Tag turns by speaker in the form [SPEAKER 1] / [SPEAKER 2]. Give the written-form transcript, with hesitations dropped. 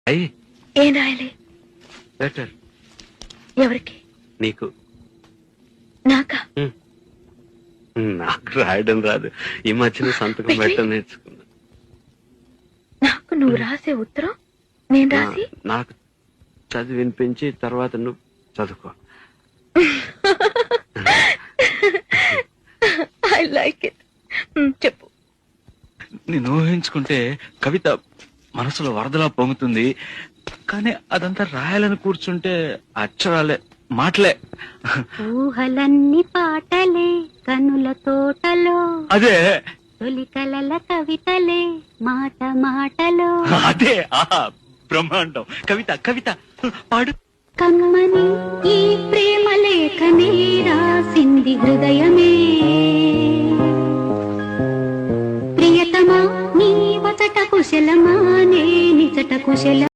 [SPEAKER 1] అయ్యి
[SPEAKER 2] ఏం రాయాలి?
[SPEAKER 1] లెటర్
[SPEAKER 2] ఎవరికి?
[SPEAKER 1] నీకు.
[SPEAKER 2] నాకా?
[SPEAKER 1] నాకు రాయడం రాదు. ఈ మధ్యన సంతకం పెట్టడం నేర్చుకున్నా.
[SPEAKER 2] నాకు నువ్వు రాసే ఉత్తరం నేను రాసి
[SPEAKER 1] నాకు చదివి వినిపించి తర్వాత నువ్వు చదువుకో.
[SPEAKER 2] I like it. చెప్పు.
[SPEAKER 3] నేను ఊహించుకుంటే కవిత మనసులో వరదలా పొంగుతుంది, కానీ అదంతా రాయాలని కూర్చుంటే అక్షరాలే మాటలే.
[SPEAKER 4] ఊహలన్నీ పాటలే కనుల తోటలో,
[SPEAKER 3] అదే
[SPEAKER 4] తొలి కలల కవితలే మాట మాటలో.
[SPEAKER 3] అదే బ్రహ్మాండం. కవిత కవిత పాడు.
[SPEAKER 4] కమ్మని ఈ ప్రేమ లేఖనే రాసింది హృదయమే, ప్రియతమా నీ వచట కుశలమా నే నిజట కుశల